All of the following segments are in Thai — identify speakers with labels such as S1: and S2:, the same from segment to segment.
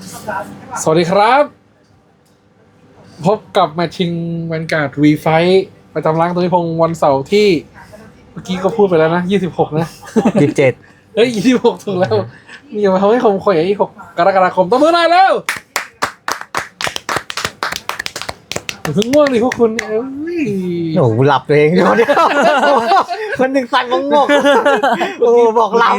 S1: สวัสดีครับพบกับแมตช์ชิงแวนการ์ดวีไฟประจำร้านตุนิพงศ์วันเสาร์ที่เมื่อกี้ก็พูดไปแล้วนะ26นะ
S2: 27
S1: เฮ้ย26ถูกแล้วมีมาทำให้คมข่อย26กรกฎาคมต้นมือหน่อยแล้วเพิ่งง่วงดิพวกคุณเอ้ย
S2: โอ้โหหลับตัวเองอยู่เนี่ยคนหนึ่งสั่งงงโอ้บอกหลับ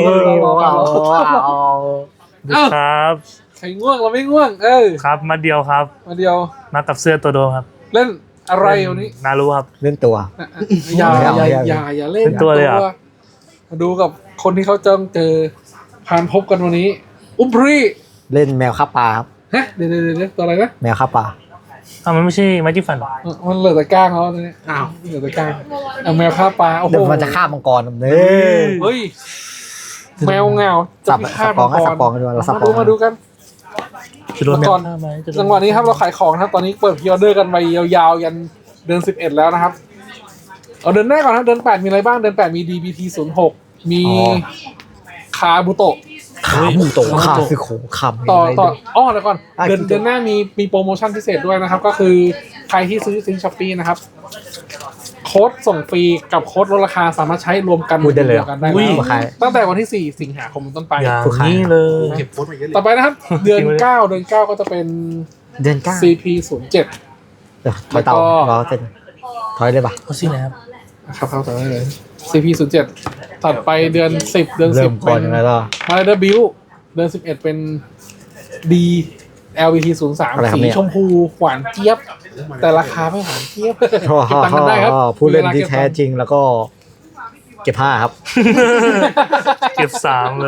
S3: ครับ
S1: ใครง่วงเราไม่ง่วง
S3: ครับมาเดียวครับ
S1: มาเดียว
S3: มากับเสื้อตัวโดครับ
S1: เล่นอะไรวันนี้
S3: นารู้ครับ
S2: เล่นตัว
S1: อย่าเล่น
S3: เป็นตัวเลยเหรอ
S1: มาดูกับคนที่เขาจ้องเจอผ่านพบกันวันนี้ อุ้มพรี
S2: เล่นแมวฆ่าปลาครับ
S1: ฮะเดี๋ยวตัวอะไรนะ
S2: แมวฆ่าปลา
S3: มันไม่ใช่ไม้จิ้มฟัน
S1: มันเหลือแต่ก้างเขาตอนนี้อ้าวเหลือแต่ก้างเอาแมวฆ่าปลาโอ้โห
S2: เดี๋ยวมันจะฆ่ามังกรเนี่ย
S1: เฮ้ยแมวเงา
S2: สับ
S1: พิฆาต
S2: ปองสับปองกันด้วยเราสับปอง
S1: มาดูกัน
S3: จะโดนแมว
S1: ก่อน
S3: ฆ่าไหมจะโดน
S1: จังหวะนี้ครับเราขายของนะครับตอนนี้เปิดพรีออเดอร์กันไปยาวๆยันเดือน11แล้วนะครับเอาเดือนแรกก่อนนะเดือน8มีอะไรบ้างเดือน8มี DBT 06มีคาบุโตะ
S2: ขาหมูโตขาคือโขงคำ
S1: ต่อเดี๋ยวก่อนเดือนหน้ามีโปรโมชั่นพิเศษด้วยนะครับก็คือใครที่ซื้อซิงช้อปปี้นะครับโค้ดส่งฟรีกับโค้ดลดราคาสามารถใช้รวมกันได้แล้วตั้งแต่วันที่4สิงหาคมเป็นต้นไป
S3: อย่างนี้เลย
S1: ต่อไปนะครับเดือน9ก็จะเป็น
S2: เดือน9
S1: CP 07
S2: เดี๋ยวถอยเต่ารอเต้นถอยเลยป่ะ
S3: เขาสินะครับ
S1: ครับเข้าต่อได้เลย CP 07ถัดไปเดือน10เดือน
S2: เริ่ม
S1: 10
S2: ก่อ
S1: เป็น น
S2: ยังไงล่ะ
S1: Rider Build เดือน11เป็น D LVT 03สีชมพูหวานเจี๊ยบแต่ราคาไม่หวานเจี๊ยบเก็บตังค์กันได้ครับ
S2: ผู้เล่นที่แท้จริงแล้วก็เก็บ5ครับ
S3: เก็บ3เลย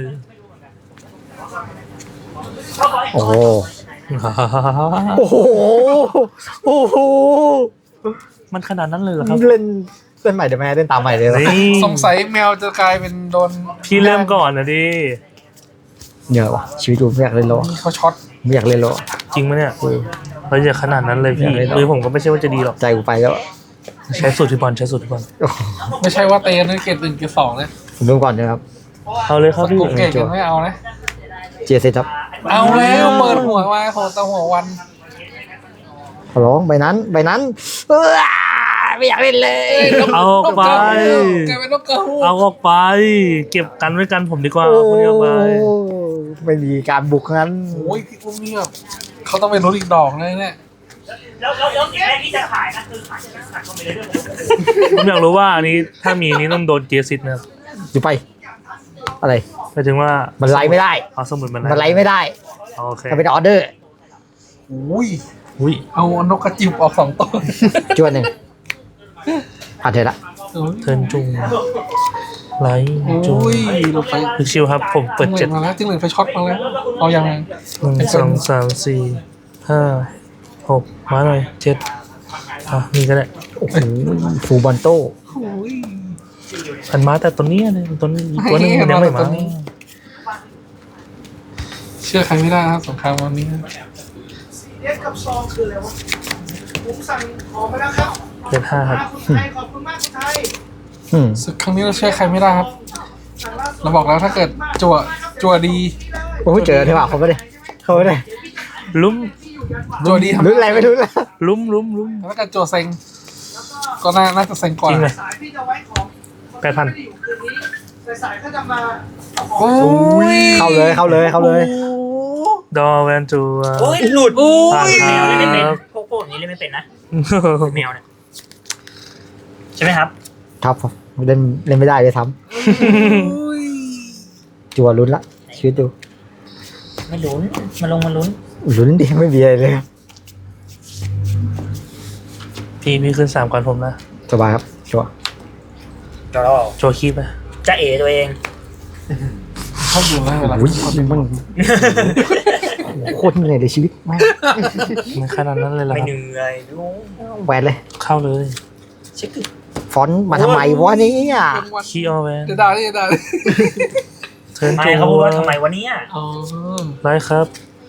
S2: โอ้โหโอ้โหโอ้โห
S3: มันขนาดนั้นเลยเหรอครับ
S2: เล่นใหม่เดี๋ยวแม่เล่นตามใหม่เลยนะ
S3: นี่
S1: สงสัยแมวจะกลายเป็นโดน
S3: พี่เริ่มก่อนนะดิ
S2: เหนื่อยว่ะชีวิตกูไม่อยากเล่นแล้ว
S1: เขาช็อต
S2: ไม่อยากเล่นแล้ว
S3: จริงไหมเนี่ยเราจะขนาดนั้นเลยพี่มือผมก็ไม่ใช่ว่าจะดีหรอก
S2: ใจกูไปแล้ว
S3: ใช้สูตรพี่บอลใช้สูตรพี่บอล
S1: ไม่ใช่ว่าเตนเกรด1เกรด2นะ
S2: ผมดูก่อนนะครับ
S3: เอาเลยครับพี่
S1: กูเกรดยังไม่เอานะ
S2: เจียเซครับ
S1: เอาแล้วเปิดหัวมาโหตะหัววัน
S2: ขอร้องใบนั้นไม่อยากเล่นเลย
S3: เอาออกไป
S1: กลายเป็นนกกระหู
S3: เอาออกไป เก็บกันไว้กันผมดีกว่าคนนี้ออกไป
S2: ไม่มีการบุกงั้น
S1: โอ้ยพี่อุ้มนี่แบบเขาต้องเป็นรถอีกดอกเลยเนี่ย
S4: แล้วแม่ที่จะขายนะคือขายจะขายก็ไม่ได้เรื่อง
S3: ผมอยากรู้ว่าอันนี้ถ้ามีนี่ต้องโดนเจียซิดนะครับ
S2: อยู่ไป อะไร
S3: หมายถึงว่า
S2: มันไล่ไม่ได้
S3: เอาสมุดมัน
S2: มันไล่ไม่ได้
S3: โอเค
S2: ถ้าเป็นออเดอร์
S1: อุ้ย
S3: อุ้ย
S1: เอานกกระจิบออก2ตัว
S2: จวนหนึ่งผ่านเถอะละ
S3: เทิร์นจุงไลท์จุง
S1: อุ้ยเราไป
S3: พิกชิวครับผมเปิด
S1: จิ้งหรี
S3: 7
S1: ดมาแล้วจิ้งหรีดไฟช็อตมาแล้วเอายังไง
S3: 1 2 3 4 5 6มาหน่อย7นี่ก็ได้
S2: โอ้โหฟูบอลโต้
S1: โอ้ย
S3: อันมาแต่ตัวนี้เลยตัวนี้อีกตัวนึงมันยังไม่มา
S1: เชื่อใครไม่ได้นะครับสงครามวันนี้
S4: เรียกกับซองคืออะไรวะผมสั่งของไปแล้วครับ
S3: เดือน5ครับ
S4: คุณไทยขอบคุณมากคุณไทย
S1: ศึกครั้งนี้เราเชื่อใครไม่ได้ครับ
S4: สั่งล่าสุด
S1: เราบอกแล้วถ้าเกิดจั่วดี
S2: โอ้ยเจอที่ว่าเขาไม่ได้เขาไม่ได้
S3: ลุ้ม
S1: จั่วดีทำ
S2: รู้อะไรไม่รู้แล้ว
S3: ลุ้ม
S1: ถ้าเกิดจั่วเซ็งก็น่าจะเซ็งก่อน
S3: จริงเลย
S4: สายพี่จะไว้ของ
S3: 8,000
S4: ไม่ได้อยู่คืนนี้สายเขาจะมาเอาของ
S1: โอ้ย
S2: เข้าเลย
S3: ดอแวนจู
S5: โอ้ยหลุด
S3: ผ่าน
S5: แมวเล่นไม่เป็น
S3: ครับ
S5: พวกนี้เล่นไม่เป็นนะแมวเนี่ยใช่ไหมครับ
S2: ครับเล่นไม่ได้เลยทำจัวลุ้นละชีวิตดู
S5: ไม่ลุ้นมันลุ้น
S2: ลุ้นดิไม่มีอะไรเลยครับ
S3: พี่ขึ้น3ก่อนผมนะ
S2: สบายครับชัวร์
S5: ก็
S3: โชว์คีบไป
S5: จะเอตัวเอง
S1: ชอบดูนะเวลา
S2: อุ้ยมันโคตรเหนื่อยเลยชีวิตแม่ง
S3: ไม่ขนาดนั้นเลยเหรอ
S5: ไม่
S3: ครับ
S5: เหนื่อยดู
S2: แหวนเลย
S3: เข้าเลย
S5: เช็ค
S2: ฟอนต์มาทำไมวะเนี่ย
S3: คีออแวน
S1: จะด่าจะด่า
S3: เทิร์น
S5: ไม่
S3: จู
S5: เขาพูดว่าทำไมวันนี้
S1: อ๋อ
S3: ไลท์ครับ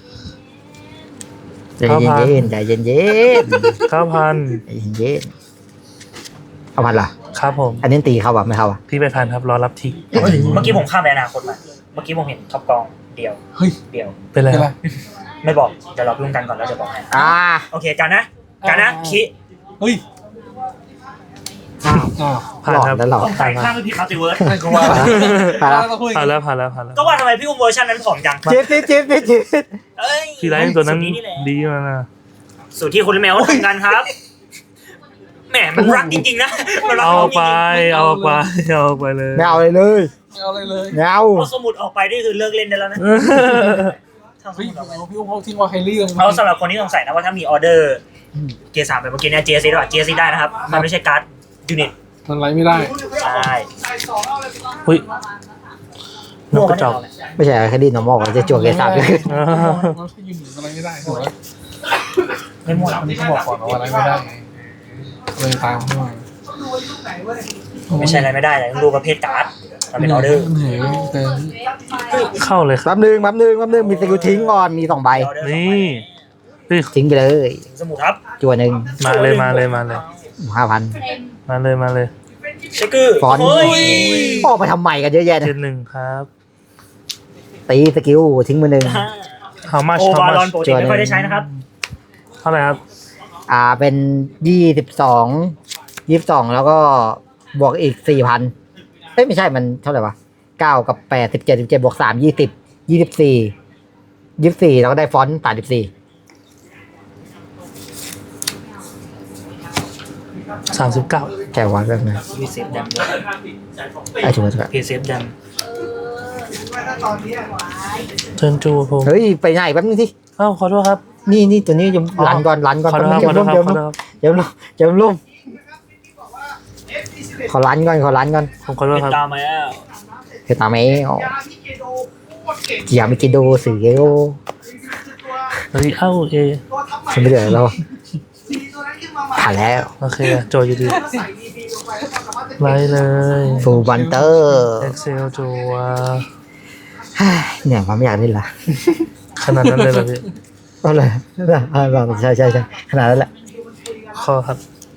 S2: ใจเย็นใจเย็น
S3: 9,000
S2: ใจเย็นเอาพันล่ะ
S3: ครับผม
S2: อันนี้ตีเข้าแบบไม่เข้าอ่ะ
S3: พี่ไปพันครับรอรับที
S5: เมื่อกี้ผมข้ามไปอนาคตมาเมื่อกี้ผมเห็นท็อปกองเดเดียว
S1: เฮ้ย
S5: เดียว
S3: เป็นไร
S1: เป็น
S3: ค
S1: ไร
S3: รับ
S5: ไม่บอกเดี๋ยวเรารุ่นกันก่อนแล้วเดี๋ยวบอกให้ โอเคกันนะคิ
S1: เฮ้ยอ้าว
S3: ผ่าน
S2: หลอด
S3: ครับ
S2: แล้วหลอด
S5: ใส่ข้างไม่ผิดมัลติเวิร์ส
S1: ให้กูว่า
S2: ผ่านแล้ว
S1: ต้องคุย
S3: ผ่านแล้วผ่านแล้วผ่านแล้ว
S5: ก็ว่าทำไมพี่อุ้มเวอร์ชันนั้นผอมจัง
S2: จิ๊บ
S5: เอ้ย
S3: ทีไรตัวนั้น
S5: สูตรนี่แหละ
S3: ดีมากนะ
S5: สูตรที่คุณแมวทำกันครับแหมมันรักจริงๆนะมันรัก
S3: เอา
S5: น้องจ
S3: ไป
S5: ริง
S3: เอาไปเอาไปเลย
S2: ไม่เอาเลยเลย
S1: ไม่เอาเลยเลย
S2: ไม่เอา
S5: ๆเอาสมุดออกไปนี่คือเลิกเล่นได้แล้วนะทำส
S1: เฮ้ย
S5: มุดออกไป
S1: พี่อุ้มเขาทิ้งว่าไฮรี่ลง
S5: เอาสำหรับคนที่สงสัยนะว่าถ้ามีออเดอร์เกียร์สามไปเมื่อกี้เนี่ย GSC ด้วย GSC ได้นะครับ มันไม่ใช่การ์ดยูนิต
S1: มันไรไม่ได้
S5: ใช่
S4: ใส่2เอาเลย
S3: อุ้ยนกกระจอก
S2: ไม่ใช่แค่ดีนอร์มอลจะจวกเกสามเลย
S1: มันไม่ยืนหนึ่งอะไรไม่ได้ถูกไหม
S5: ไม่มั่ว
S1: วันนี้เขาบอกก่อนว่าอะไรไม่ได้ไงเลยตามเข้ามา
S4: ต้องดูว่ายุคไหนเว้ย
S5: ไม่ใช่อะไรไม่ได้เลยต้องดูประเภทการ์ดมันเป็นออเดอร์
S1: เหนื่อยแต่
S3: เข้าเลยครับ
S2: แป๊บนึงมีสกิลทิ้งก่อนมี2 ใบ
S5: ออเดอร์
S3: นี่นี่
S2: ทิ้งไปเลย
S5: สมุดครับ
S2: จัวหนึ่ง
S3: มาเลยมาเลยมาเลย
S2: 5,000
S3: มาเลยมาเลย
S5: เช็คเกอร์
S2: ฟอนต์
S5: เฮ้ย
S2: ออกไปทำใหม่กันเยอะแยะ
S3: เจ
S2: นะ
S3: นหนึ่งครับ
S2: ตีสกิลทิ้งมือหนึ่ง
S3: how much
S5: โอ
S3: how
S5: วารอน
S3: much
S5: ปกติไม่ค่อยได้ใช้นะครับ
S3: เท่าไหร่ครับ
S2: เป็น22แล้วก็บวกอีก 4,000ไม่ใช่มันเท่าไหร่วะ9กับ8 17บวก3 20 24แล้วก็ได้ฟอนต์34
S3: 39
S2: แค่วันแบบนั้น
S5: พีเซฟดัม
S2: ถูก
S5: พีเซฟดัม
S4: ว่าถ้าตอนนี้
S3: เทิร์นจูผม
S2: เฮ้ยไปไหนแป๊บนึงสิ
S3: อ้าวขอโทษครับ
S2: นี่ตัวนี้ยังรันก่อน
S3: ขอโทษครับขอโทษครับขอโทษครับ
S2: เดี๋ยวล่มขอรันก่อน
S3: ผมขอโทษ
S5: เป็น
S3: ครับ
S5: ตามมาแล้ว
S2: เฮตาเมะ
S4: ยาที่เกโดโคตรเก่ง
S2: กิยามิกิโดสื่อเกโอ
S4: ตัว
S3: รีเอ้าเอ
S4: ตัวทำใหม่
S2: ฉันไม่เดือดแล้ว
S4: สีตัวนั้นขึ้นมาใหม่
S2: ผ่านแล้ว
S3: โอเคโจอยู่ดี
S4: แล้วใส่ดีๆลงไปแล้วความสามารถจะ
S3: ไล่เลย
S2: ฟูบันเตอร์
S3: Excel จัว
S2: เนี่ยความไม่อยากเล่นละ
S3: ขนาดนั้นเลยเหรอพี่
S2: ก็เลยใช่ขนาดนั้นแหละ
S3: ข้อครับ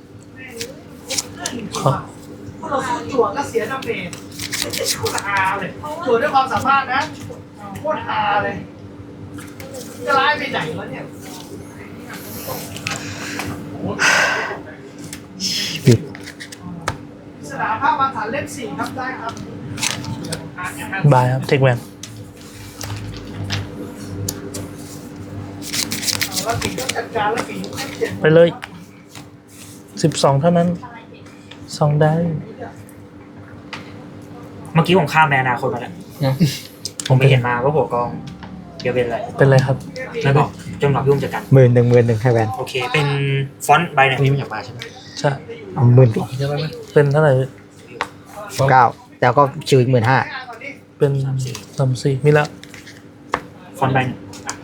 S3: ข้อ
S4: พวกเราสู้จั่วก็เสียดาเมจโคตรฮาเลยจั่วด้วยความสามารถนะโคตรฮาเลยจะร้ายไปไหนวะเนี่ย
S2: ปิด
S4: สนามภาพบางฐานเล่ม4ครับได้ครับ
S3: บายครับเทคแวน
S4: แล้วปีก็จัดการแล้วปีก็ให้เจ็บ
S3: ไปเลย12เท่านั้น2ได้
S5: เมื่อกี้ผมข้ามไปอนาคตมาแล้วผมไปเห็นมาว่าหัวกองเดี๋ยวเป็นอะไร
S3: เป็นไรครับ
S5: ไม่บอกจนหลอกยุ่งจากกัน
S2: หมื่นหนึ่งให้แวน
S5: โอเค เป็นฟอนต์ใบเนี่ยนี่มันอยากมาใช่ไหม
S3: ใช่
S2: เอาหมื่น
S1: เยอะแล้วนะ
S3: เป็นเท่าไหร่พี่
S2: 9แล้วก็ชิวอีก15,000
S3: เป็น34มีแล้ว
S5: ฟอนต์ใบเนี่ย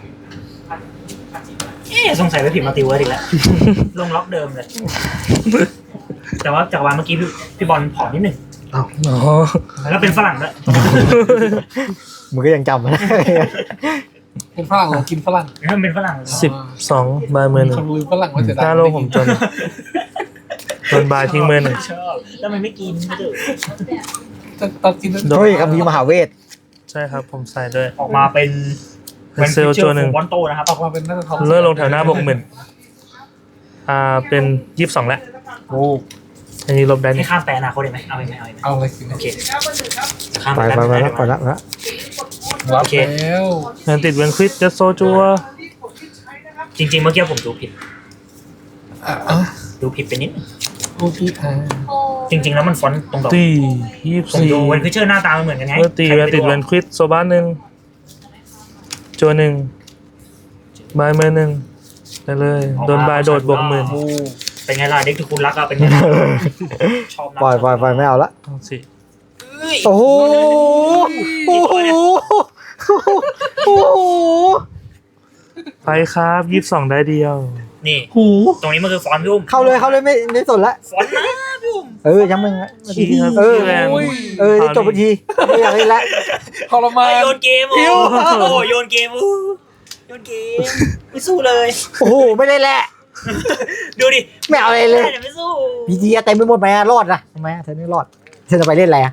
S5: สงสัยไปผิดมัลติเวิร์สอีกแล้ว ลงล็อกเดิมเลย แต่ว่าจากวันเมื่อกี้พี่บอลผอมนิดหนึ่ง
S3: อ๋อ
S5: แล้วเป็นฝรั่งด้วย
S2: มึงก็ยังจำมันได้
S1: เป็นฝรั่งเรากินฝรั่ง
S5: แล้วมันเป็นฝรั่ง
S3: 12บายมือห
S1: มี
S3: นึ่
S1: ค
S3: ง
S1: นลืมฝรั่งว่าเสีย
S3: ห
S1: ดาย
S3: น้าโลผมจนโดนบายทิ้งมือหนึ่ง
S5: ชอบแล้วมันไม่กินไม่ดื้อ
S1: ตัดกิน
S2: เฮ้ยคำพีมหาเวท
S3: ใช่ครับผมใส่ด้วย
S5: ออกมาเป็น
S3: เป็นเซลล์ตัวหนึ่ง
S5: บอลโตนะครับ
S1: ออกมาเป็นน่าจะทอง
S3: เลื่อนลงแถวหน้าบวก10,000เป็น22แล้ว
S1: โอ้
S3: อันนี้ลบได้
S5: ให้
S3: นี่
S5: ข้ามไปอนาคตได้ไหมเอาไหมเอาไหม
S1: เอาอะไรกิน
S5: โอเค
S4: ครับเบอร์หนึ่งครับ
S5: ข้าม
S2: ไป
S5: ไป
S2: ไป
S5: แล้ว
S2: ไปแล้ว
S1: รับแล้ว
S3: เงินติดเวนควิดจะโซจัว
S4: ที่ผมคิดใช้นะครับ
S5: จริงๆเมื่อกี้ผมดูผิด
S1: อ่ะ
S5: ดูผิดไปนิดนึง
S1: โอเคอ่ะ
S5: จริง ๆ แล้วมันฟอนต์ตรงดอก
S3: ตี
S5: ผมดูเวน
S3: 24
S5: ฟิเชอร์หน้าตามันเหมือนกันไง
S3: เมื่อตีเวนติดเวนควิดโซบ้านหนึ่งจัวหนึ่งบายมือหนึ่งไปเลยโดนบายโดดบวก10,000
S1: โอ้
S5: เป็นไงล่ะเด็กที่คุณรักอะเป็นไงล่ะชอบนะ
S2: ปล่อยไม่เอาละ
S3: เอาสิ
S2: โอ้โหโอ้โหโอ้โห
S3: ไปครับ22ได้เดียว
S5: นี่
S1: หู
S5: ตรงนี้มันคือฟอนต์พี่อุ้ม
S2: เข้าเลยไม่สนละ
S5: ฟอนต์นะพี่อุ้ม
S2: ยังมึง
S3: ขี้ครับ
S2: เออ
S3: ขี้แรง
S2: จบบัญชีไม่อยากเล่นละ
S1: ทรมาน
S5: โยนเกมโอ้โหโยนเกมโยนเกมไม่สู้เลย
S2: โอ้โหไม่ได้แหละ
S5: ดูดิ
S2: ไม่เอาอะไรเลย
S5: ไม่สู้
S2: พีจีเต็มไปหมดไหมรอดนะทำไมเธอไม่รอดเธอจะไปเล่นอะไร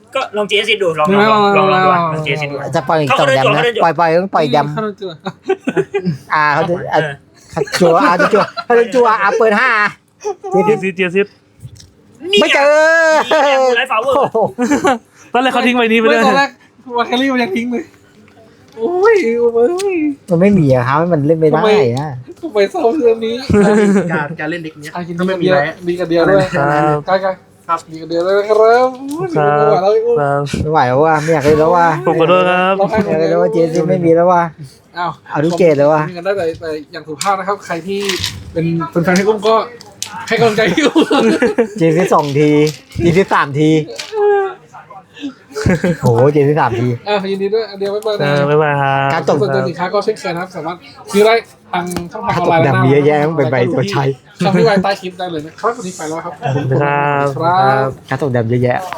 S5: ก็ลองเจสดูลองดูลองเจสดู
S2: จะปล่อยต่อแดมนะปล่อยต้องปล่อยแดม
S1: เข้าเจอ
S2: เขาจะจัวจะจัวเขาจะจัวเปิด5
S3: เจียซิด
S2: ไม่เจอ
S5: ไลฟ์ฟลาวเวอร์
S3: ตอนแรกเขาทิ้งไว้นี้ไปเลย
S1: ตอนแรกวาแคลรี่มันยังทิ้งเลยโอ้ย
S2: มันไม่มีอะครับมันเล่นไม่ได้นะ
S1: ทำไมเศร้าเรื่องนี้
S4: การเล่นเด็กเนี้ย
S1: กินดีกันเดียวดีกันเดียวด้วยใกล้ครับดีกันเดียวเลยครับ
S2: ไม่ไหวแล้วว่าไม่อยากเล่นแล้วว่า
S3: ผมขอโทษครับ
S2: ไม่อยากเล่นแล้วว่าเจซีไม่มีแล้วว่า เอาทุกเกตเลยว่ะ
S1: มีกันได้แต่อย่างสุภาพนะครับใครที่เป็นแฟนๆให้กุ้งก็ให้กำลังใจอยู่
S2: เจซี2 ทีเจซี3 ทีโหเจซี3 ที
S1: ยินดีด้วยเดียวไม่เปิดนะ
S3: บ๊ายบายครับ
S2: การตก
S1: สนใจสินค้าก็เช่นเคยนะครับสามารถซื้อได้ทางช่องทางออนไลน์
S2: ดำมีเยอะแยะเป็นใบตัวใช้
S1: ช่องที่ไว้ใต้คลิปได้เลยนะครับวันนี้ไปแล้วครับ
S3: ครับ
S1: ครับ
S2: การตกดำเยอะแยะ